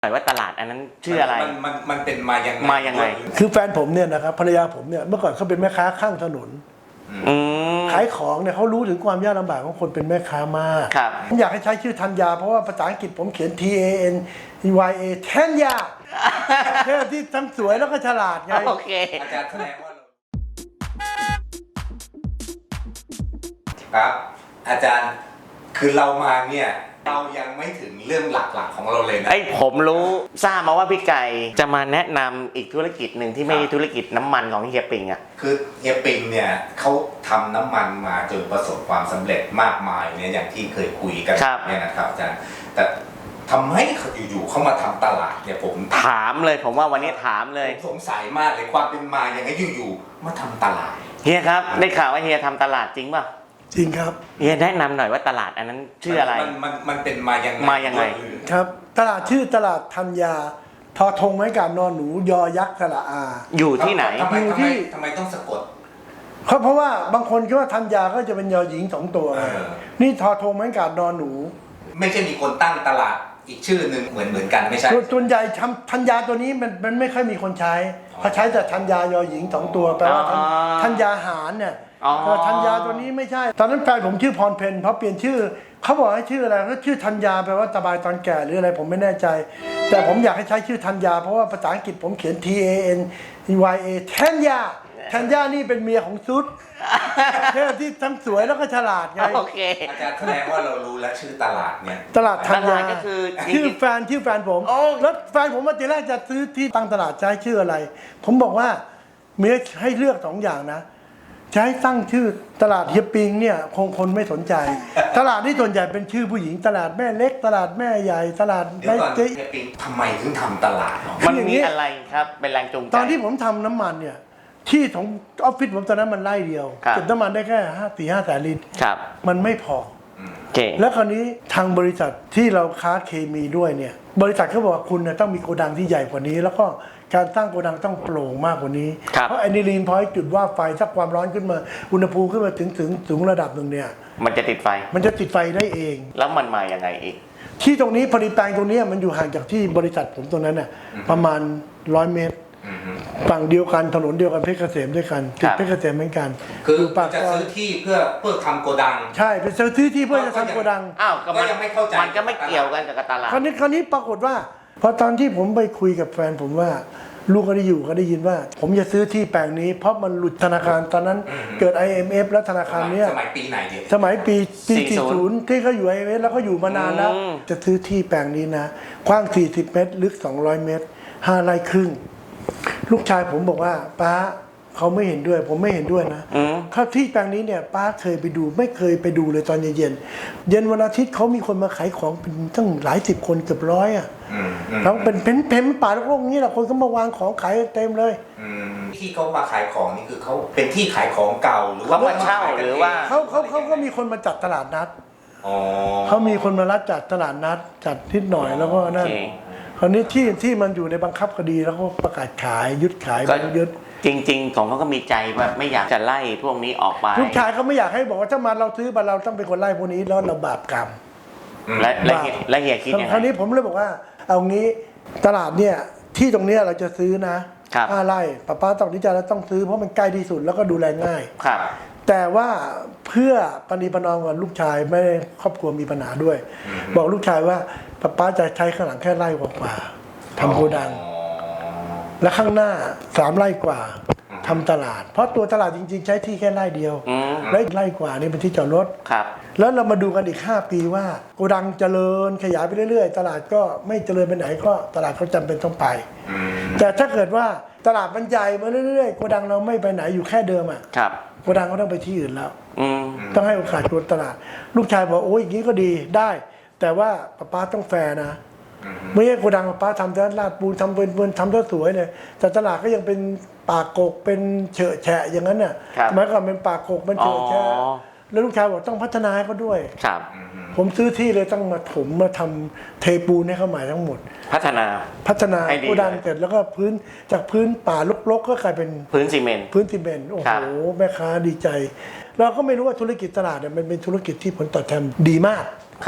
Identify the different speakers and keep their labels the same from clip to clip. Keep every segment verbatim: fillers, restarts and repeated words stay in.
Speaker 1: หน่อยว่าตลาดอันนั้นชื่ออะไร
Speaker 2: มันมันมันเป็นมายังไง
Speaker 1: มายังไง
Speaker 3: คือแฟนผมเนี่ยนะครับภรรยาผมเนี่ยเมื่อก่อนเขาเป็นแม่ค้าข้างถนนขายของเนี่ยเขารู้ถึงความยากลำบากของคนเป็นแม่ค้ามากผมอยากให้ใช้ชื่อธัญญาเพราะว่าภาษาอังกฤษผมเขียน T A N Y A ธัญญาเท่ที่ทั้งสวยแล้วก็ฉลาดไง
Speaker 1: โอเค
Speaker 2: อาจารย์แสดงว่าครับอาจารย์คือเรามาเนี่ยเรายังไม่ถึงเรื่องหลักๆของเราเลยนะ
Speaker 1: ไอ้ผมรู้ทราบมาว่าพี่ไก่จะมาแนะนำอีกธุรกิจหนึ่งที่ไม่ใช่ธุรกิจน้ำมันของเฮียปิงอ่ะ
Speaker 2: คือเฮียปิงเนี่ยเขาทำน้ำมันมาจนประสบความสำเร็จมากมายเนี่ยอย่างที่เคยคุยกันเนี่ยนะครับอาจารย์แต่ทำให้เขาอยู่ๆเขามาทำตลาดเนี่ยผม
Speaker 1: ถามเลยผมว่าวันนี้ถามเลย
Speaker 2: สงสัยมากเลยความเป็นมาอย่างไงอยู่ๆมาทำตลาด
Speaker 1: เฮียครับได้ข่าวว่าเฮียทำตลาดจริงป่ะ
Speaker 3: จริงครับ
Speaker 1: เฮียแนะนำหน่อยว่าตลาดอันนั้นชื่ออะไร
Speaker 2: มันมันมันเป็นมายังไง
Speaker 1: มายังไง
Speaker 3: ครับตลาดชื่อตลาดธัญญาทอธงไม้กาดนอนหนูยอยักษ์สระอา
Speaker 1: อยู่ที่ไหน
Speaker 3: อยู่ที่
Speaker 2: ทำไมต้องสะกด
Speaker 3: เพราะเพราะว่าบางคนคิดว่าธัญญาก็จะเป็นยอหญิงสองตัวนี่ทอธงไม้กาดนอนหนู
Speaker 2: ไม่ใช่มีคนตั้งตลาดอีกชื่อหนึ่งเหมือนเหมือนกันไม่ใช่
Speaker 3: ส่วนใหญ่ธัญญาตัวนี้มันมันไม่ค่อยมีคนใช้เขาใช้แต่ธัญญายอหญิงสองตัวแปลว่าธัญญาหารเนี่ยธัญญาตัวนี้ไม่ใช่ตอนนั้นแฟนผมชื่อพรเพนเพราะเปลี่ยนชื่อเขาบอกให้ชื่ออะไรก็ชื่อธัญญาแปลว่าสบายตอนแก่หรืออะไรผมไม่แน่ใจแต่ผมอยากให้ใช้ชื่อธัญญาเพราะว่าภาษาอังกฤษผมเขียน T A N Y A ธัญญาธัญญานี่เป็นเมียของซุดเท่ที่ทั้งสวยแล้วก็ฉลาดไง
Speaker 1: โอเค
Speaker 2: อาจารย์แสดงว่าเรารู้แล้วชื่อตลาดเนี่ย
Speaker 3: ตลาดธัญญา
Speaker 1: ก็คือ
Speaker 3: ชื่อแฟนชื่อแฟนผมแล้วแฟนผมว่าทีแรกจะซื้อที่ตั้งตลาดจะให้ชื่ออะไรผมบอกว่ามีให้เลือกสองอย่างนะจะให้ตั้งชื่อตลาดเฮียปิงเนี่ยคงคนไม่สนใจตลาดที่ส่วนใหญ่เป็นชื่อผู้หญิงตลาดแม่เล็กตลาดแม่ใหญ่ตลาด
Speaker 2: แม่เจ๊เฮียปิงทำไมถึงทำตลาด
Speaker 1: มันมีอะไรครับเป็นแรงจูงใจ
Speaker 3: ตอนที่ผมทำน้ำมันเนี่ยที่ของออฟฟิศผมตอนนั้นมันไร่เดียวเก็บน้ำมันได้แค่ห้าสี่ห้าแสนลิตรมันไม่พอแล้วคราวนี้ทางบริษัทที่เราค้าเคมีด้วยเนี่ยบริษัทเขาบอกว่าคุณเนี่ยต้องมีโกดังที่ใหญ่กว่านี้แล้วก็การสร้างโกดังต้องโปร่งมากกว่านี้เพราะแอนิลีนพอยต์จุดว่าไฟถ้าความร้อนขึ้นมาอุณหภูมิขึ้นมาถึงถึงสูงระดับหนึ่งเนี่ย
Speaker 1: มันจะติดไฟ
Speaker 3: มันจะติดไฟได้เอง
Speaker 1: แล้วมันมาอย่างไงอีก
Speaker 3: ที่ตรงนี้ผลิตแปลงตรงนี้มันอยู่ห่างจากที่บริษัทผมตรงนั้นน่ะประมาณร้อยเมตรฝั่งเดียวกันถนนเดียวกันเพชรเกษมด้วยกันติดเพชรเกษมเหมือนกัน
Speaker 2: คือจะซื้อที่เพื่อเพื่อทำโกดัง
Speaker 3: ใช่เป็นซื้อที่ที่เพื่อจะทำโกดัง
Speaker 1: อ้าวก็ยังไม่เข้าใจมันก็ไม่เกี่ยวกันกับตลาด
Speaker 3: คราวนี้คราวนี้ปรากฏว่าพอตอนที่ผมไปคุยกับแฟนผมว่าลูกก็ได้อยู่ก็ได้ยินว่าผมจะซื้อที่แปลงนี้เพราะมันหลุดธนาคารตอนนั้นเกิด ไอ เอ็ม เอฟ แล้วธนาคารเนี้ย
Speaker 2: สมัยปีไหนเดียว
Speaker 3: สมัยปีปีสี่สิบที่เขาอยู่ ไอ เอ็ม เอฟ แล้วก็อยู่มานานแล้วจะซื้อที่แปลงนี้นะกว้างสี่สิบเมตรลึกสองร้อยเมตรห้าไร่ครึ่งลูกชายผมบอกว่าป้าเขาไม่เห็นด้วยผมไม่เห็นด้วยนะถ้าที่แปลงนี้เนี่ยป้าเคยไปดูไม่เคยไปดูเลยตอนเย็นเย็นวันอาทิตย์เขามีคนมาขายของเป็นตั้งหลายสิบคนเกือบร้อยอ่ะแล้วเป็นเพ้นเพ้นป่าโล่งๆนี้แหละคนก็มาวางของขายเต็มเลย
Speaker 2: ที่เขามาขายของนี่คือเขาเป็นที่ขายของเก่าหรือ
Speaker 1: ว่ามาเช่าหรือว่า
Speaker 3: เขาเขาเขาก็มีคนมาจัดตลาดนัดเขามีคนมารับจัดตลาดนัดจัดนิดหน่อยแล้วก็นั่นคราวนี้ที่ที่มันอยู่ในบังคับคดีแล้วก็ประกาศขายยึดขายยึด
Speaker 1: จริงๆของเขาก็มีใจว่าไม่อยากจะไล่พวกนี้ออกไป
Speaker 3: ลูกชายเขาไม่อยากให้บอกว่าถ้ามาเราซื้อมาเราต้องเป็นคนไล่พวกนี้แล้วเราบาปกรรม
Speaker 1: และและเฮียคิดยังไง
Speaker 3: คราวนี้ผมเลยบอกว่าเอางี้ตลาดเนี่ยที่ตรงนี้เราจะซื้อนะห้าไร่ป้าป้าต้องนิจาแล้วต้องซื้อเพราะมันใกล้ที่สุดแล้วก็ดูแลง่ายแต่ว่าเพื่อปณีประนอมกับลูกชายไม่ได้ครอบครัวมีปัญหาด้วยบอกลูกชายว่าป้าป้าจะใช้ข้างหลังแค่ไร่กว่าๆทำโกดังและข้างหน้าสามไร่กว่าทำตลาดเพราะตัวตลาดจริงๆใช้ที่แค่ไร่เดียวและไร่กว่านี่เป็นที่จอดรถแล้วเรามาดูกันอีกห้าปีว่าโกดังเจริญขยายไปเรื่อยๆตลาดก็ไม่เจริญไปไหนก็ตลาดเขาจำเป็นต้องไปแต่ถ้าเกิดว่าตลาดมันใหญ่มาเรื่อยๆโกดังเราไม่ไปไหนอยู่แค่เดิมอ่ะโกดังก็ต้องไปที่อื่นแล้วต้องให้โอกาสตัวตลาดลูกชายบอกโอ้ยอย่างนี้ก็ดีได้แต่ว่าป้าป้าต้องแฟร์นะไม่ใช่โกดังป้าทำแต่ลาดปูนทำเป็นทำตัวสวยเลยแต่ตลาดก็ยังเป็นปากกกเป็นเฉอะแฉะอย่างนั้นน่ะหมายความเป็นปากกกเป็นเฉอะแฉะแล้วลูกชายบอกต้องพัฒนาให้เขาด้วยผมซื้อที่เลยต้องมาถมมาทำเทปูนให้เขาใหม่ทั้งหมด
Speaker 1: พัฒนา
Speaker 3: พัฒนาโกดังเสร็จแล้วก็พื้นจากพื้นป่ารกๆก็กลายเป็น
Speaker 1: พื้นซีเมนต์
Speaker 3: พื้นซีเมนต์โอ้โหแม่ค้าดีใจเราก็ไม่รู้ว่าธุรกิจตลาดเนี่ยมันเป็นธุรกิจที่ผลตอบแทนดีมาก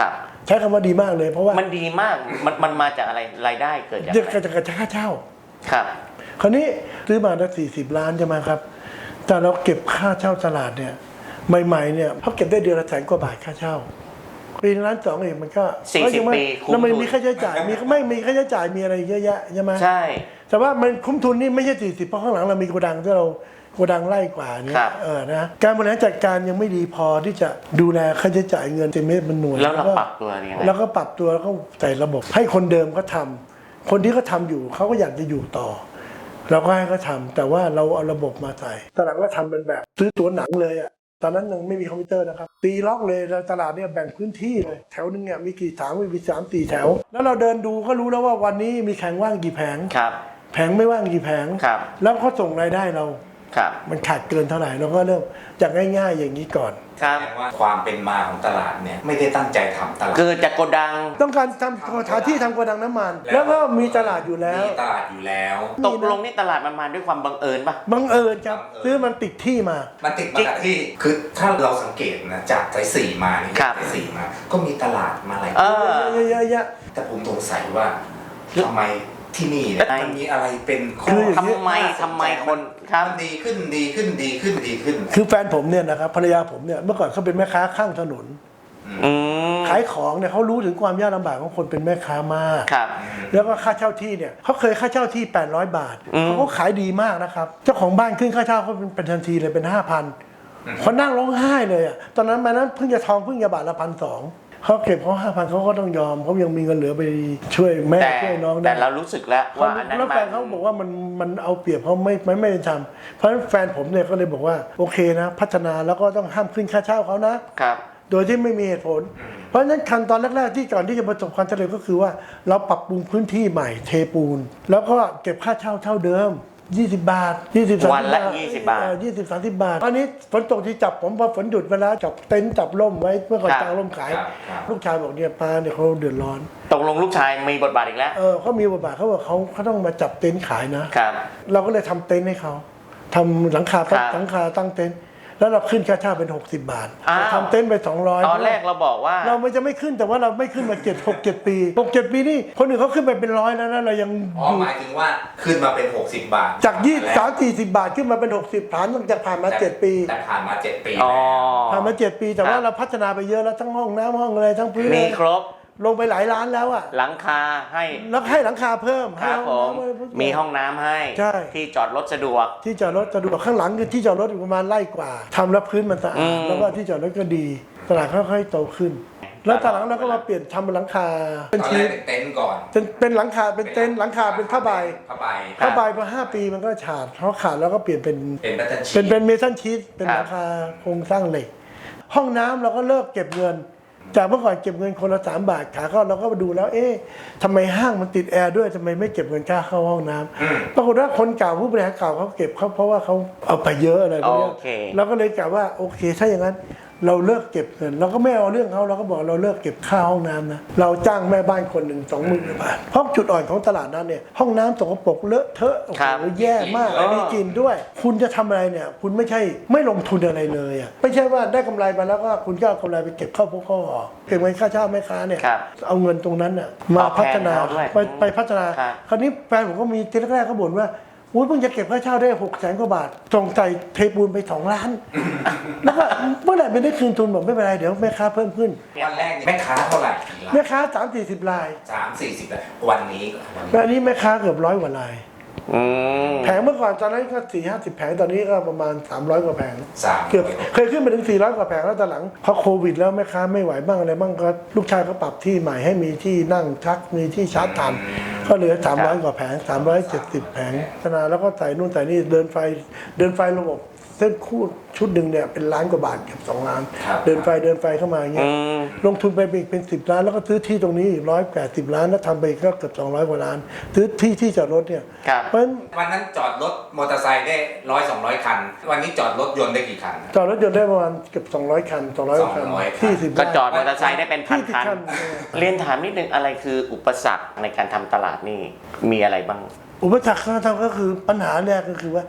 Speaker 3: ใช้คำว่าดีมากเลยเพราะว่า
Speaker 1: มันดีมากมันมันมาจากอะไรรายได้เกิดจาก
Speaker 3: เด็ก
Speaker 1: อะไร
Speaker 3: จะกระค่าเช่า
Speaker 1: ครับ
Speaker 3: คราวนี้ซื้อมาได้สี่สิบล้านใช่ไหมครับแต่เราเก็บค่าเช่าตลาดเนี่ยใหม่ๆเนี่ยเขาเก็บได้เดือนละแสนกว่าบาทค่าเช่าปีล้านสองเองมันก็
Speaker 1: สี่สิบ
Speaker 3: ก็ยังไม่
Speaker 1: ปีคุ้ม
Speaker 3: แล้วมัน
Speaker 1: ทุน
Speaker 3: มีค่าใช้จ่ายมีไม่มีค่าใช้จ่ายมีอะไรเยอะแยะใช่ไหม
Speaker 1: ใช่
Speaker 3: แต่ว่ามันคุ้มทุนนี่ไม่ใช่สี่สิบเพราะข้างหลังเรามีโกดังที่เราโกดังไล่กว่าเนี่
Speaker 1: ครั
Speaker 3: ย
Speaker 1: บ
Speaker 3: เออนะการบริหารจัดการยังไม่ดีพอที่จะดูแลค่าใช้จ่ายเงินเต็มเม็ดเป็นหน่วย
Speaker 1: แล้วเรา
Speaker 3: ก็
Speaker 1: ปรับตัวยังไง
Speaker 3: แล้วก็ปรับตัวแล้วก็ใส่ระบบให้คนเดิมเขาทำคนที่เขาทาอยู่เขาก็อยากจะอยู่ต่อ เราก็ให้เขาทำแต่ว่าเราเอาระบบมาใส่ตอนหลังก็ทำเป็นแบบซื้อตั๋วหนังเลยอ่ะตอนนั้นยังไม่มีคอมพิวเตอร์นะครับตีล็อกเลยแล้วตลาดเนี่ยแบ่งพื้นที่เลยแถวนึงเนี่ยมีกี่แถวมีสามสี่แถว แล้วเราเดินดูก็รู้แล้วว่าวันนี้มีแผงว่างกี่แผง
Speaker 1: ครับ
Speaker 3: แผงไม่ว่างกี่แผง
Speaker 1: ครับ
Speaker 3: แล้วเขาส่งรายได้เรา
Speaker 1: ครับ
Speaker 3: มันขาดเกินเท่าไหร่เราก็เริ่มจากง่ายๆอย่างนี้ก่อน
Speaker 1: ครับ
Speaker 2: แสดงว่าความเป็นมาของตลาดเนี่ยไม่ได้ตั้งใจทำตลาด
Speaker 1: เกิดจากโกดัง
Speaker 3: ต้องการทำสถานที่ทำโกดังน้ำมัน แล้วก็มีตลาดอยู่แล้ว
Speaker 2: มีตลาดอยู่แล้ว
Speaker 1: ตกลงนี่ตลาดมันมาด้วยความบังเอิญป่ะ
Speaker 3: บังเอิญครับ
Speaker 2: บังเอิญ
Speaker 3: ซื้อมันติดที่มา
Speaker 2: มันติดมาจากที่คือถ้าเราสังเกตนะจากสายสี่มานี่
Speaker 1: ครับ
Speaker 2: สายสี่มา ก็มีตลาดมาหลาย
Speaker 1: เออ
Speaker 3: เยอะๆ
Speaker 2: แต่ผมสงสัยว่าทำไมที่นี่เนี่ย
Speaker 1: เอ้ย
Speaker 2: มันมีอะไรเป็นข้
Speaker 3: คือ
Speaker 1: ทำไมทำไมคนครับ
Speaker 2: มันดีขึ้นดีขึ้นดีขึ้นดีขึ้น
Speaker 3: คือแฟนผมเนี่ยนะครับภรรยาผมเนี่ยเมื่อก่อนเขาเป็นแม่ค้าข้างถนน
Speaker 1: อืม
Speaker 3: ขายของเนี่ยเขารู้ถึงความยากลำบากของคนเป็นแม่ค้ามาก
Speaker 1: ครับ
Speaker 3: แล้วก็ค่าเช่าที่เนี่ยเขาเคยค่าเช่าที่แปดร้อยบาท
Speaker 1: อืม
Speaker 3: เขาก็ขายดีมากนะครับเจ้าของบ้านขึ้นค่าเช่าเขาเป็นเป็นทันทีเลยเป็นห้าพันเขานั่งร้องไห้เลยอ่ะตอนนั้นมานั้นเพิ่งจะทองเพิ่งจะบาทละพันสองเขาเก็บเขาห้าพันเขาก็ต้องยอมเขายังมีเงินเหลือไปช่วยแม่
Speaker 1: แต่
Speaker 3: ช่วยน้องได้
Speaker 1: แต่เรารู้สึกแล้วว่าอันนั้น
Speaker 3: แล้วแฟน
Speaker 1: มั
Speaker 3: เขาบอกว่ามันมันเอาเปรียบเขาไม่ไม่ไม่เป็นธรรมเพราะฉะนั้นแฟนผมเนี่ยก็เลยบอกว่าโอเคนะพัฒนาแล้วก็ต้องห้ามขึ้นค่าเช่าเขานะ
Speaker 1: ครับ
Speaker 3: โดยที่ไม่มีเหตุผล เพราะฉะนั้นขั้นตอนแรกๆที่ก่อนที่จะประสบความสำเร็จก็คือว่าเราปรับปรุงพื้นที่ใหม่เทปูน แล้วก็เก็บค่าเช่าเท่าเดิม ยี่สิบบาทยี่สิบ
Speaker 1: วันละยี่สิบบาท
Speaker 3: ยี่สิบสามสิบบาทตอนนี้ฝนตกที่จับผมพอฝนหยุดเวลาจับเต็นท์จับร่มไว้เมื่อก่อน
Speaker 1: ครับ
Speaker 3: กางร่มขาย
Speaker 2: ครับครับ
Speaker 3: ลูกชายบอกเนี่ยป้าเนี่ยเขาเดือดร้อน
Speaker 1: ตกลงลูกชายมีบทบาทอีกแล้ว
Speaker 3: เออเขามีบทบาทเขาบอกเขาเขาต้องมาจับเต็นท์ขายนะครับ เราก็เลยทำเต็นท์ให้เขาทำหลังคา
Speaker 1: ครับ
Speaker 3: หลังคาตั้งเต็นท์แล้วเราขึ้นค่าเช่าเป็นหกสิบบาท
Speaker 1: อ้าว
Speaker 3: ทำเต็นท์ไปสองร้อย
Speaker 1: ตอนแรกเราบอกว่า
Speaker 3: เราไม่จะไม่ขึ้นแต่ว่าเราไม่ขึ้นมาเจ็ดหกเจ็ดปีหกเจ็ดปีนี่คนอื่นเขาขึ้นไปเป็นร้อยแล้วนะเรายัง
Speaker 2: อ๋อ
Speaker 3: อยู่
Speaker 2: หมายถึงว่าขึ้นมาเป็นหกสิบบาท
Speaker 3: จากยี่สามสี่สิบบาทขึ้นมาเป็นหกสิบฐานตั้งแต่ผ่านมาเจ็ดปี
Speaker 2: แต่ผ่านมาเจ็ดปี
Speaker 1: อ๋อ
Speaker 3: ผ่านมาเจ็ดปีแต่
Speaker 1: ครั
Speaker 3: ว่า
Speaker 1: บ
Speaker 3: เราพัฒนาไปเยอะแล้วทั้งห้องน้ำห้องอะไรทั้งพื้น
Speaker 1: มีครบ
Speaker 3: ลงไปหลายล้านแล้วอ่ะ
Speaker 1: หลังคาให้
Speaker 3: แล้วให้หลังคาเพิ่ม
Speaker 1: ครับ
Speaker 3: ให้
Speaker 1: ผ
Speaker 3: ห้อง
Speaker 1: ม
Speaker 3: น้ำอะไรพวกนี้
Speaker 1: มีห้องน้ำให้
Speaker 3: ใช่
Speaker 1: ที่จอดรถสะดวก
Speaker 3: ที่จอดรถสะดวกข้างหลังคือที่จอดรถอยู่ประมาณไร่กว่าทำแล้วพื้นมันสะ
Speaker 1: อื
Speaker 3: อาด
Speaker 1: ม
Speaker 3: แล้วก็ที่จอดรถก็ดีตลาดค่อยๆโตขึ้น แล้วตอนหลังเราก็มาเปลี่ยนทำเป็นหลังคาเป็น
Speaker 2: ตอน
Speaker 3: ชี
Speaker 2: แร
Speaker 3: ท
Speaker 2: กเป็นเต็นท์ก่อน
Speaker 3: เป็นเป็นหลังคาเป็นเต็นท์หลังคาเป็นผ้าใบ
Speaker 2: ผ้าใบ
Speaker 1: ครับ
Speaker 3: ผ้าใบพอห้าปีมันก็ขาดเขาขาดแล้วก็เปลี่ยนเป็น
Speaker 2: เป็นแพทเทิร์นชี
Speaker 3: เป็น
Speaker 2: ท
Speaker 3: เป็นเมทัลชีทเป็น
Speaker 1: ครับ
Speaker 3: หลังคาโครงสร้างเหล็ก ห้องน้ำเราก็เลิกเก็บเงิน จากเมื่อก่อนเก็บเงินคนละสามบาทขาเข้าเราก็มาดูแล้วเอ๊ะทำไมห้างมันติดแอร์ด้วยทำไมไม่เก็บเงินค่าเข้าห้องน้ำ
Speaker 2: อืม
Speaker 3: ปรากฏว่าคนเก่าผู้บริหารเก่าเขาเก็บเขาเพราะว่าเขาเอาไปเยอะอะไรพวกเนี้ย
Speaker 1: โอเค
Speaker 3: เราก็เลยกล่าวว่าโอเค ถ้าอย่างนั้นเราเลิกเก็บเงินเราก็ไม่เอาเรื่องเขาเราก็บอกเราเลิกเก็บค่าห้องน้ำนะเราจ้างแม่บ้านคนหนึ่งสองหมื่นบาทเพราะจุดอ่อนของตลาดนั้นเนี่ยห้องน้ำสกปรกเลอะเทอะโอ้โห
Speaker 1: ครับ
Speaker 3: แย่มาก
Speaker 1: เออ
Speaker 3: มีกลิ่นด้วย คุณจะทำอะไรเนี่ย คุณไม่ใช่ไม่ลงทุนอะไรเลยอ่ะไม่ใช่ว่าได้กำไรมาแล้วก็คุณก็เอากำไรไปเก็บเข้าพวกข้อออกเก็บเงินค่าเช่าแม่ค้าเนี่ย
Speaker 1: ครับ
Speaker 3: เอาเงินตรงนั้นน่ะมา
Speaker 1: ตอบแทน
Speaker 3: พัฒนา
Speaker 1: เขาด้วย
Speaker 3: ไปไปพัฒนา
Speaker 1: ครับ
Speaker 3: คราวนี้แฟนผมก็มีทีแรกๆเขาบ่นว่าอุ้ยเพิ่งจะเก็บค่าเช่าได้หกแสนกว่าบาทส่งใจเทปูนไปสองล้าน แล้วก็เมื่อไหร่ไม่ได้คืนทุนบอกไม่เป็นไรเดี๋ยวแม่ค้าเพิ่มขึ้น
Speaker 2: วันแรกเนี่ยแม่ค้าเท่าไหร่กี่ราย
Speaker 3: แม่ค้าสามสี่สิบราย
Speaker 2: สามสี่สิบรายวันนี้วัน
Speaker 3: แล้ว
Speaker 2: นี้
Speaker 3: อันนี้แม่ค้าเกือบร้อยกว่าราย
Speaker 1: อืม
Speaker 3: แผงเมื่อก่อนตอนนั้นก็สี่ห้าสิบแผงตอนนี้ก็ประมาณสามร้อยกว่าแผง
Speaker 2: สาม
Speaker 3: เกือบเคยขึ้นไปถึงสี่ร้อยกว่าแผงแล้วตอนหลังพอโควิดแล้วแม่ค้าไม่ไหวบ้างอะไรบ้างก็ลูกชายก็ปรับที่ใหม่ให้มีที่นั่งชักมีที่ชาร์จทันก็เหลือสามร้อยกว่าแผงสามร้อยเจ็ดสิบแผงพัฒนาแล้วก็ใส่นู่นใส่นี่เดินไฟเดินไฟระบบเส้นคู่ชุดหนึ่งเนี่ยเป็นล้านกว่าบาทเกือบสองล้าน
Speaker 2: ครับ
Speaker 3: เดินไฟเดินไฟเข้ามาอย่างเงี้
Speaker 1: อื
Speaker 3: ย
Speaker 1: ม
Speaker 3: ลงทุนไปอีกเป็นสิบล้านแล้วก็ซื้อที่ตรงนี้อีกร้อยแปดสิบล้านแล้วทำไปก็เกือบสองร้อยกว่าล้านซื้อที่ที่จอดรถเนี่ย
Speaker 1: ครับ
Speaker 3: เพราะฉะนั้น
Speaker 2: วันนั้นจอดรถมอเตอร์ไซค์ได้ร้อยสองร้อยคัน วันนี้จอดรถยนต์ได้กี่คัน
Speaker 3: จอดรถยนต์ได้ประมาณเกือบสองร้อยคันสองร้อยคัน
Speaker 2: สองร้อยคัน
Speaker 3: ที่สิบ
Speaker 1: ก็จอดมอเตอร์ไซค์ได้เป็นพัน
Speaker 3: ที่
Speaker 1: คัน
Speaker 3: คันเออ
Speaker 1: เรียนถามนิดนึงอะไรคืออุปสรรคในการทำตลาดนี่มีอะไรบ้าง
Speaker 3: อุปสรรคที่เราทำก็คือปัญหาแรกก็คือว่า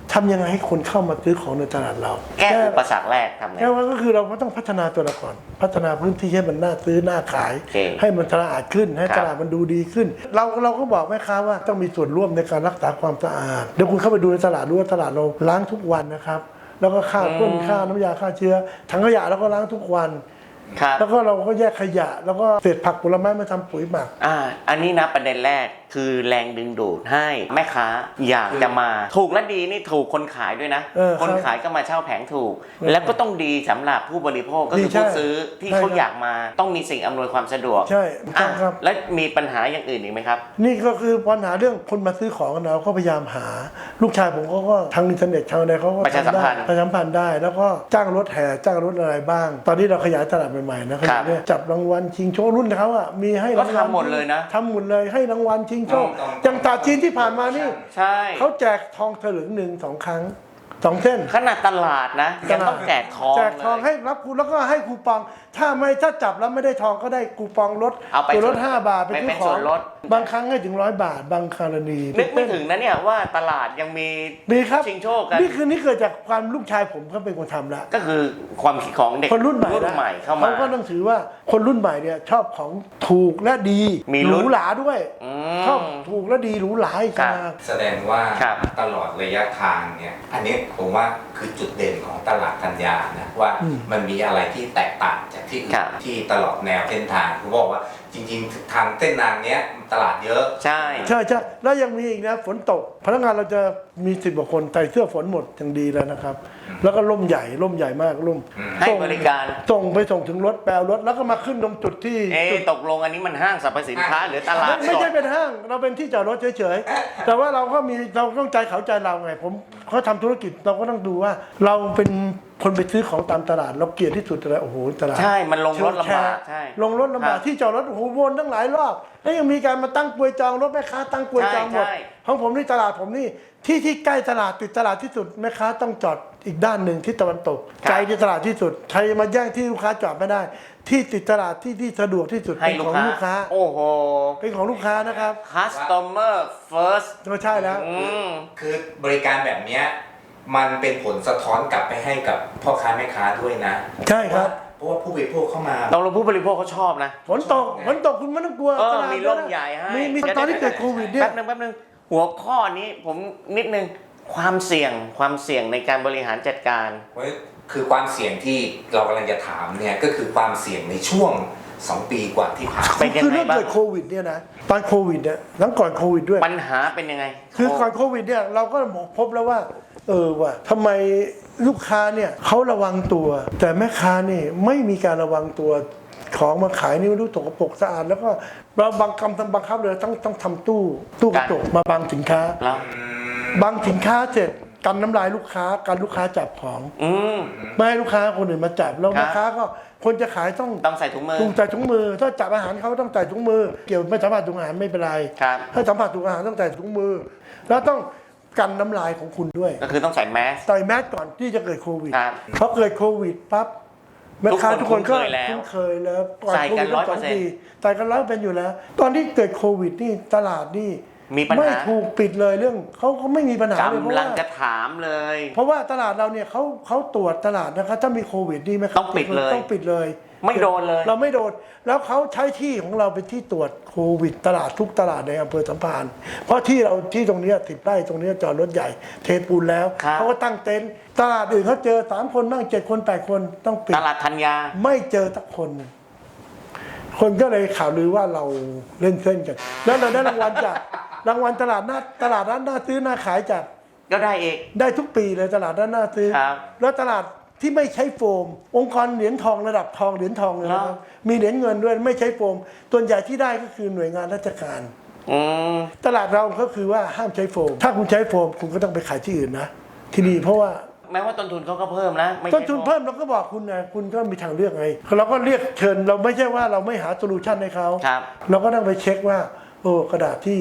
Speaker 3: ทำยังไงให้คนเข้ามาซื้อของในตลาดเรา
Speaker 1: แก้อุปสรรคแรกทำไง
Speaker 3: แก้ว่าก็คือเราก็ต้องพัฒนาตัวเราก่อนพัฒนาพื้นที่ให้มันน่าซื้อน่าขาย
Speaker 1: โอเค
Speaker 3: ให้มันตลาดขึ้นให้
Speaker 1: ครับ
Speaker 3: ตลาดมันดูดีขึ้น เราเราก็บอกแม่ค้าว่าต้องมีส่วนร่วมในการรักษาความสะอาดเดี๋ยวคุณเข้าไปดูในตลาดดูว่าตลาดเราล้างทุกวันนะครับแล้วก็ฆ่าพ่นฆ่าน้ำยาฆ่าเชื้อถังขยะเราก็ล้างทุกวัน
Speaker 1: ครับ
Speaker 3: แล้วก็เราก็แยกขยะ แล้วก็เศษผักผลไม้มาทำปุ๋ยหมัก
Speaker 1: อ่า อันนี้นะประเด็นแรกคือแรงดึงดูดให้แม่ค้าอยากจะมา ถูกและดีนี่ถูกคนขายด้วยนะ
Speaker 3: เออครับ
Speaker 1: คนขายก็มาเช่าแผงถูก แล้วก็ต้องดีสำหรับผู้บริโภคก็คือ
Speaker 3: ดีใช่
Speaker 1: ผู้ซื้อที่
Speaker 3: ใช่
Speaker 1: เขา
Speaker 3: ครับ
Speaker 1: อยากมาต้องมีสิ่งอำนวยความสะดวก
Speaker 3: ใช่ถูกต้
Speaker 1: อ่ะ
Speaker 3: องครับ
Speaker 1: แล้วมีปัญหาอย่างอื่นอีกไหมครับ
Speaker 3: นี่ก็คือปัญหาเรื่องคนมาซื้อของกันเราก็พยายามหา ลูกชายผมเขาก็ทางอินเทอร์เน็ตทางอะไรเขาก็
Speaker 1: ประชาสัมพันธ์
Speaker 3: ทำได้ประชาสัมพันธ์ได้ แล้วก็จ้างรถแห่จ้างรถอะไรบ้าง ตอนนี้เราขยายตลาดใหม่ๆนะขยายเนี่ยจับรางวัลชิงโชครุ่นเขาอ่ะมีให้รางวัล
Speaker 1: ก็ทำหมดเลยนะ
Speaker 3: ทำหมดเลยให้รางวัลชิงโชค
Speaker 2: ต้อง
Speaker 3: อย่างตราจีนที่ผ่านมานี่
Speaker 1: ใช่
Speaker 3: เขาแจกทองถลึงหนึ่งสองครั้งสองเส้น
Speaker 1: ขนาดตลาดนะยังต้องแจกทอง
Speaker 3: แจกทอง
Speaker 1: เลย
Speaker 3: ให้รับคูแล้วก็ให้คูปอง ถ้าไม่ถ้าจับแล้วไม่ได้ทองก็ได้คูปองลด
Speaker 1: เอาไป
Speaker 3: ส่วนลด
Speaker 1: ส่วน
Speaker 3: ห้าบาทไป
Speaker 1: ไป
Speaker 3: ซื้
Speaker 1: เป็
Speaker 3: อน ข
Speaker 1: ส่
Speaker 3: อง
Speaker 1: วนลด
Speaker 3: บางครั้งให้ถึงร้อยบาท บางกรณี
Speaker 1: นึกไม่ถึงนะเนี่ยว่าตลาดยังมี
Speaker 3: ดีครับ
Speaker 1: ชิงโชคกัน
Speaker 3: นี่คือนี่เกิดจากความลูกชายผมเขาเป็นคนทำแล้ว
Speaker 1: ก็คือความคิดของเด็ก
Speaker 3: คนรุ่นใหม่
Speaker 1: รุ่น
Speaker 3: นะ
Speaker 1: ใหม่เข้ามา
Speaker 3: เขาก็ต้องถือว่าคนรุ่นใหม่เนี่ยชอบของถูกและดี
Speaker 1: มี
Speaker 3: ห
Speaker 1: ลุ้
Speaker 3: รู
Speaker 1: น
Speaker 3: หราด้วย
Speaker 1: อื
Speaker 3: ชอบ
Speaker 1: ม
Speaker 3: ถูกและดีหรูหราอีก
Speaker 1: ครับ
Speaker 3: นะ
Speaker 2: แสดงว่า
Speaker 1: ครับ
Speaker 2: ตลอดระยะทางเนี่ยอันนี้ผมว่าคือจุดเด่นของตลาดธัญญานะว่ามันมีอะไรที่แตกต่างจากที่อื่
Speaker 1: ครั
Speaker 2: น
Speaker 1: บ
Speaker 2: ที่ตลอดแนวเส้นทางผมบอกว่าจริงๆ ทางเส้นทางเนี้ยตลาดเยอะ
Speaker 1: ใช่
Speaker 3: ใช่ใช่แล้วยังมีอีกนะฝนตก พนักงานเราจะมีสิบกว่าคนใส่เสื้อฝนหมดอย่างดีแล้วนะครับ แล้วก็ร่มใหญ่ร่มใหญ่มากร่ม
Speaker 1: ให้
Speaker 3: ส่ง
Speaker 1: บริการ
Speaker 3: ส่งไปส่งถึงรถแปลรถแล้วก็มาขึ้นตรงจุดที่
Speaker 1: เอ๊ะ
Speaker 3: จุด
Speaker 1: ตกลงอันนี้มันห้างสรรพสินค้าหรือตลาด
Speaker 3: ไม่ไม่
Speaker 1: ส
Speaker 3: ใช่
Speaker 1: ด
Speaker 3: เป็นห้างเราเป็นที่จอดรถเฉยๆ แต่ว่าเราก็มีเราต้องใจเขาใจเราไงผมเขาทำธุรกิจเราก็ต้องดูว่า เราเป็นคนไปซื้อของตามตลาดเราเกลียดที่สุดเลยโอ้โหตลาด
Speaker 1: ใช่มันลงรถลำบาก
Speaker 3: เชิงแชร์
Speaker 1: ใช่
Speaker 3: ลงรถลำบาก
Speaker 1: ครับ
Speaker 3: ที่จอดรถโอ้โหวนตั้งหลายรอบแล้วยังมีการมาตั้งกลวยจองรถแม่ค้าตั้งกลวยจองหมด
Speaker 1: ใช่ใช่
Speaker 3: ของผมนี่ตลาดผมนี่ที่ที่ใกล้ตลาดติดตลาดที่สุดแม่ค้าต้องจอดอีกด้านหนึ่งที่ตะวันตกไกลที่ตลาดที่สุดใครมาแย่งที่ลูกค้าจอดไม่ได้ ที่ติดตลาดที่ที่สะดวกที่สุด
Speaker 1: ให้
Speaker 3: เป็น
Speaker 1: ลู
Speaker 3: ข
Speaker 1: ก
Speaker 3: อง
Speaker 1: ค้า
Speaker 3: ลูกค้า
Speaker 1: โอ้โห
Speaker 3: เป็นของลูกค้านะครับ
Speaker 1: customer first
Speaker 3: ก็ใช่แล้ว
Speaker 1: อืม
Speaker 2: คือบริการแบบเนี้ยมันเป็นผลสะท้อนกลับไปให้กับพ่อค้าแม่ค้าด้วยนะ
Speaker 3: ใช่ครับ
Speaker 2: เพราะว่าผู้บริโภคเข้ามา
Speaker 1: เราเราผู้บริโภคเขาชอบนะ
Speaker 3: ฝนตกฝนตกคุณไม่ต้องกลัว
Speaker 1: เออ
Speaker 3: ตลาด
Speaker 1: มีร่มใหญ่ให้
Speaker 3: มีมี
Speaker 1: ดี๋ยว
Speaker 3: ตอนที่เกิด
Speaker 1: ยว
Speaker 3: โควิดเนี่ย
Speaker 1: แป๊บนึงแป๊บนึงหัวข้อนี้ผมนิดนึงความเสี่ยงความเสี่ยงในการบริหารจัดการ
Speaker 2: เพราะคือความเสี่ยงที่เรากำลังจะถามเนี่ยก็คือความเสี่ยงในช่วงสองปีกว่าที่ผ่านมา
Speaker 1: เป็นยัง
Speaker 3: คือ
Speaker 1: ไง
Speaker 3: เรื่อง
Speaker 1: บ้าง
Speaker 3: เกิดโควิดเนี่ยนะตอนโควิดเนี่ยหลังก่อนโควิดด้วย
Speaker 1: ปัญหาเป็นยังไง
Speaker 3: คือก่อนโควิดเนี่ยเราก็พบแล้วว่า เออว่ะทำไมลูกค้าเนี่ยเขาระวังตัว แต่แม่ค้านี่ไม่มีการระวังตัวของมาขายนี่ไม่รู้ตกปรกสะอาด แล้วก็เราบังคับบังคับเลยต้องต้องทำตู้ตู้กระจกมาบังสินค้า
Speaker 1: แล้ว
Speaker 3: บังสินค้าเสร็จกันน้ำลายลูกค้ากันลูกค้าจับของ
Speaker 1: อืม
Speaker 3: ไม่ให้ลูกค้าคนอื่นมาจับแล้ว
Speaker 1: ครับ
Speaker 3: แม่ค้าก็คนจะขายต้อง
Speaker 1: ต้องใส่ถุงมือ
Speaker 3: ถุงใส่ถุงมือ ถ้าจับอาหารเขาต้องใส่ถุงมือ เกี่ยวไม่สัมผัสถุงอาหารไม่เป็นไร
Speaker 1: ครับ
Speaker 3: ถ้าสัมผัสถุงอาหารต้องใส่ถุงมือ แล้วต้องกันน้ำลายของคุณด้วย
Speaker 1: ก็คือต้องใส่แมส
Speaker 3: ใส่แมสก่อนที่จะเกิดโควิด
Speaker 1: ครับ
Speaker 3: พอเกิดโควิดปั๊บแม่ค้า
Speaker 1: ทุ
Speaker 3: ทุ
Speaker 1: ก
Speaker 3: ก
Speaker 1: ค
Speaker 3: คน นก็
Speaker 1: คุ้นเคยแล้ว
Speaker 3: คุ้นเคยแล้วก่อน
Speaker 1: ใส่
Speaker 3: โค
Speaker 1: กั
Speaker 3: วิ
Speaker 1: น
Speaker 3: ดตั้งสอง
Speaker 1: ร้อยเปอร์เซ็นต์
Speaker 3: ปีใส่กันร้อยเป็นอยู่แล้ว ตอนที่เกิดโควิดนี่ตลาดนี่
Speaker 1: มีปัญหา
Speaker 3: ไม่ถูกปิดเลยเรื่องเขาเขาไม่มีปัญหาเลยเพราะ
Speaker 1: กำลัง
Speaker 3: ว่า
Speaker 1: จะถามเลย
Speaker 3: เพราะว่าตลาดเราเนี่ยเขาเขาตรวจตลาดนะครับถ้ามีโควิดนี่ไหมครับ
Speaker 1: ต้องปิดเลย
Speaker 3: ต้องปิดเลย
Speaker 1: ไม่โดนเลย
Speaker 3: เราไม่โดน แล้วเขาใช้ที่ของเราเป็นที่ตรวจโควิด ตลาดทุกตลาดในอำเภอสัมพันธ์เพราะที่เราที่ตรงเนี้สิบไร่ตรงเนี้ยจอดรถใหญ่เทปูนแล้ว
Speaker 1: ครับ
Speaker 3: เขาก็ตั้งเต็นท์ตลาดอื่นเขาเจอสามคนบ้างเจ็ดคนแปดคนต้องปิด
Speaker 1: ตลาดธัญญา
Speaker 3: ไม่เจอสักคนหนึ่งคนก็เลยข่าวลือว่าเราเล่นเส้นกัน แล้วเราได้รางวัลจากรางวัลตลาดหน้าตลาดนั้นหน้าซื้อหน้าขายจาก
Speaker 1: ก็ได้เอง
Speaker 3: ได้ทุกปีเลยตลาดด้านหน้าซื้อ
Speaker 1: ครับ
Speaker 3: แล้วตลาดที่ไม่ใช้โฟม องค์กรเหรียญทองระดับทองเหรียญทองเลยนะครับมีเหรียญเงินด้วยไม่ใช้โฟมส่วนใหญ่ที่ได้ก็คือหน่วยงานราชการ
Speaker 1: อืม
Speaker 3: ตลาดเราก็คือว่าห้ามใช้โฟม ถ้าคุณใช้โฟมคุณก็ต้องไปขายที่อื่นนะที่นี่เพราะว่า
Speaker 1: แม้ว่าต้นทุนเขาก็เพิ่มนะไม่ใช่
Speaker 3: ต้นทุนเพิ่มเราก็บอกคุณนะคุณก็มีทางเลือกไงเราก็เรียกเชิญเราไม่ใช่ว่าเราไม่หาโซลูชันให้เขา
Speaker 1: ครับ
Speaker 3: เราก็ต้องไปเช็คว่าโอ้กระดาษที่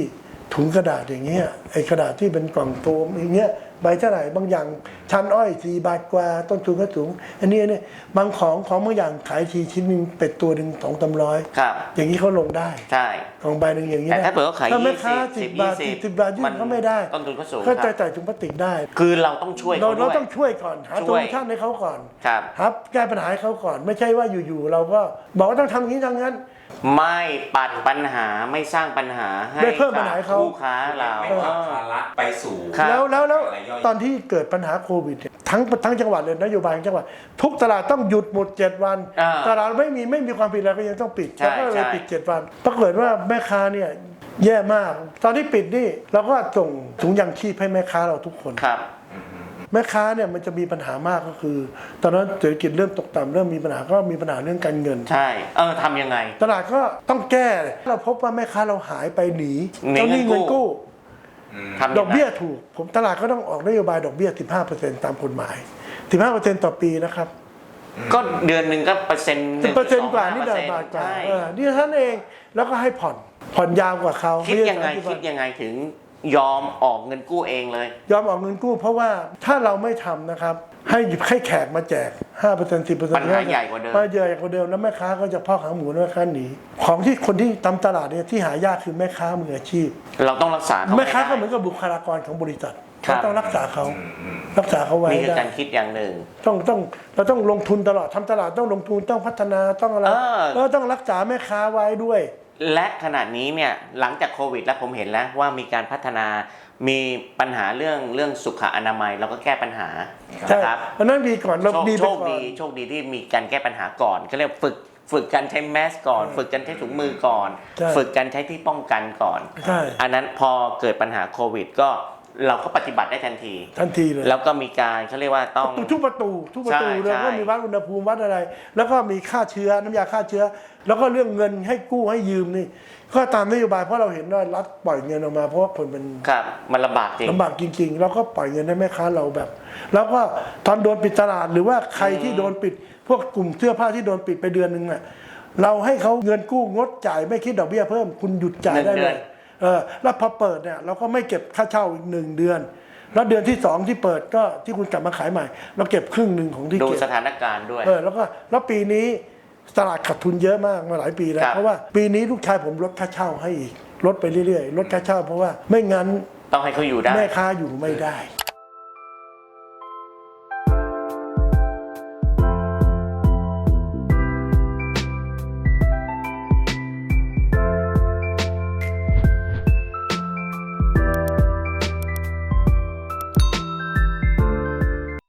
Speaker 3: ถุงกระดาษอย่างเงี้ยไอ้กระดาษที่เป็นกล่องโฟมอย่างเงี้ยใบเท่าไหร่บางอย่างชั้นอ้อยสี่บาทกว่าต้นทุนก็สูงอันนี้เนี่ยบางของของบางอย่างขายทีชิ้นหนึ่งเป็ดตัวหนึ่งสองสามร้อย
Speaker 1: ครับ
Speaker 3: อย่างนี้เขาลงได้
Speaker 1: ใช่
Speaker 3: ของใบหนึ่งอย่างนี้
Speaker 1: แต่ถ้าเปิดเขาขาย
Speaker 3: ถ้าแม่
Speaker 1: ยี่
Speaker 3: ค้า
Speaker 1: สิบ
Speaker 3: สิบบาท
Speaker 1: ยี่สิบ
Speaker 3: สิบบาทยื่
Speaker 1: มัน
Speaker 3: นเขาไม่ได้
Speaker 1: ต้นทุนก็สูง
Speaker 3: ก็
Speaker 1: ค
Speaker 3: จะ
Speaker 1: รับ
Speaker 3: จ่ายถุงพลาสติกได้
Speaker 1: คือเราต้องช่วย
Speaker 3: เรา
Speaker 1: เขาด้
Speaker 3: เรา
Speaker 1: วย
Speaker 3: ต้องช่วยก่อนหา
Speaker 1: ช่
Speaker 3: โซ
Speaker 1: วย
Speaker 3: ลูชันให้เขาก่อน
Speaker 1: ครับ
Speaker 3: ครับแก้ปัญหาให้เขาก่อน ไม่ใช่ว่าอยู่ๆเราก็บอกว่าต้องทำอย่างนี้ทางนั้น
Speaker 1: ไม่ปัดปัญหาไม่สร้างปัญหาให้
Speaker 3: ไม่เพิ่มปัญหาให้เขา
Speaker 1: คู่ค้าเรา
Speaker 2: ไม่ผลักภาระไปสู่
Speaker 1: ครับ
Speaker 3: แล้วแล้วแล้ว
Speaker 2: อะไรย่อย
Speaker 3: ตอนที่เกิดปัญหาโควิดเนี่ยทั้งทั้งจังหวัดเลยนโยบายของจังหวัดทุกตลาดต้องหยุดหมดเจ็ดวัน
Speaker 1: อ่า
Speaker 3: ตลาดไม่มีไม่มีความผิดอะไรก็ยังต้องปิด
Speaker 1: ใช่
Speaker 3: แล้วก็เลย
Speaker 1: ใช่
Speaker 3: ปิดเจ็ดวันปรากฏว่าแม่ค้าเนี่ยแย่มาก ตอนที่ปิดนี่เราก็ส่งถุงยางชีพให้แม่ค้าเราทุกคน
Speaker 1: ครับ
Speaker 3: แม่ค้าเนี่ยมันจะมีปัญหามากก็คือ ตอนนั้นเศรษฐกิจเริ่มตกต่ำเริ่มมีปัญหาก็มีปัญหาเรื่องการเงิน
Speaker 1: ใช่ เออทำยังไง
Speaker 3: ตลาดก็ต้องแก้เราพบว่าแม่ค้าเราหายไปหนี
Speaker 1: หนี
Speaker 3: เจ้าหนี้
Speaker 1: เงิ
Speaker 3: เงิ
Speaker 1: น
Speaker 3: น
Speaker 1: กู้
Speaker 3: กู้
Speaker 1: ทำยังไง
Speaker 3: ดอกเบี้ยถูกผมตลาดก็ต้องออกนโยบายดอกเบี้ย สิบห้าเปอร์เซ็นต์ ตามกฎหมาย สิบห้าเปอร์เซ็นต์ ต่อปีนะครับ
Speaker 1: ก็เดือนหนึ่งก็เปอร์เซ็นต์
Speaker 3: สิบเปอร์เซ็นต์กว่านี่เดินบาทกว่า
Speaker 1: ใช่
Speaker 3: เออนี่ท่านเองแล้วก็ให้ผ่อนผ่อนยาวกว่าเขา
Speaker 1: คิดยังไง
Speaker 3: ม่ใช่สามสิบ
Speaker 1: คิดยังไงถึงยอมออกเงินกู้เองเลย
Speaker 3: ยอมออกเงินกู้ เพราะว่าถ้าเราไม่ทำนะครับ ให้ให้แขกมาแจก ห้าเปอร์เซ็นต์ สิบเปอร์เซ็นต์
Speaker 1: ปัญหาใหญ่กว่าเดิม
Speaker 3: ปัญหาใหญ่กว่าเดิมแล้วแม่ค้าก็จะพ่อขาหมูแล้วแม่ค้าหนีของที่คนที่ทำตลาดเนี่ยที่หายากคือแม่ค้ามืออาชีพ
Speaker 1: เราต้องรักษาเขา
Speaker 3: แม่ค้าก็
Speaker 1: ให้
Speaker 3: เหมื
Speaker 1: ได้
Speaker 3: อนกับบุคลากรของบริษัท
Speaker 1: ครับ
Speaker 3: เราต้องรักษาเขารักษาเขาไว้
Speaker 1: นี่คือ
Speaker 3: ได้
Speaker 1: การคิดอย่างหนึ่ง
Speaker 3: ต้องต้องเราต้องลงทุนตลอดทำตลาดต้องลงทุนต้องพัฒนาต้องอะไร
Speaker 1: เออ
Speaker 3: แล้วต้องรักษาแม่ค้าไว้ด้วย
Speaker 1: และขณะนี้เนี่ยหลังจากโควิดแล้วผมเห็นแล้วว่ามีการพัฒนา มีปัญหาเรื่องเรื่องสุขอนามัยเราก็แก้ปัญหา
Speaker 3: ใช่
Speaker 1: นะครับ
Speaker 3: อันนั้นดีก่อนเรา
Speaker 1: โชค
Speaker 3: ดี
Speaker 1: โช
Speaker 3: ไป
Speaker 1: ค
Speaker 3: ก่อน
Speaker 1: ดีโชคดีที่มีการแก้ปัญหาก่อนก็เรียกฝึกฝึกการใช้แมสก่อน ฝึกการใช้ถุงมือก่อน
Speaker 3: ใช่
Speaker 1: ฝึกการใช้ที่ป้องกันก่อน
Speaker 3: ใช่
Speaker 1: อันนั้นพอเกิดปัญหาโควิดก็เราก็ปฏิบัติได้ทันที
Speaker 3: ทันทีเลย
Speaker 1: แล้วก็มีการเขาเรียกว่าต้อง
Speaker 3: ทุกประตูทุกประตู
Speaker 1: ใช่
Speaker 3: แล้วก็
Speaker 1: ใช่
Speaker 3: มีวัดอุณหภูมิวัดอะไร แล้วก็มีค่าเชื้อน้ำยาฆ่าเชื้อ แล้วก็เรื่องเงินให้กู้ให้ยืมนี่ก็ตามนโยบายเพราะเราเห็นว่ารัฐปล่อยเงินออกมาเพราะว่าคนมัน
Speaker 1: ครับมันลำบากจริง
Speaker 3: ลำบากจริงๆ แล้วก็ปล่อยเงินให้แม่ค้าเราแบบ แล้วก็ตอนโดนปิดตลาดหรือว่าใครที่โดนปิด พวกกลุ่มเสื้อผ้าที่โดนปิดไปเดือนหนึ่งน่ะเราให้เขาเงินกู้งดจ่ายไม่คิดดอกเบี้ยเพิ่มคุณหยุดจ่ายได้
Speaker 1: หนึ่งเดื
Speaker 3: เล
Speaker 1: อน
Speaker 3: ยเออแล้วพอเปิดเนี่ยเราก็ไม่เก็บค่าเช่าอีกหนึ่งเดือน แล้วเดือนที่สองที่เปิดก็ที่คุณกลับมาขายใหม่ เราเก็บครึ่งหนึ่งของที่
Speaker 1: ดู
Speaker 3: เก็บ
Speaker 1: สถานการณ์ด้วย
Speaker 3: เออแล้วก็แล้วปีนี้ตลาดขาดทุนเยอะมากมาหลายปีแล้ว
Speaker 1: ครับ
Speaker 3: เพราะว่าปีนี้ลูกชายผมลดค่าเช่าให้อีกลดไปเรื่อยๆลดค่าเช่าเพราะว่าไม่งั้น
Speaker 1: ต้องให้เขาอยู่ได้
Speaker 3: แม่ค้าอยู่ไม่ได้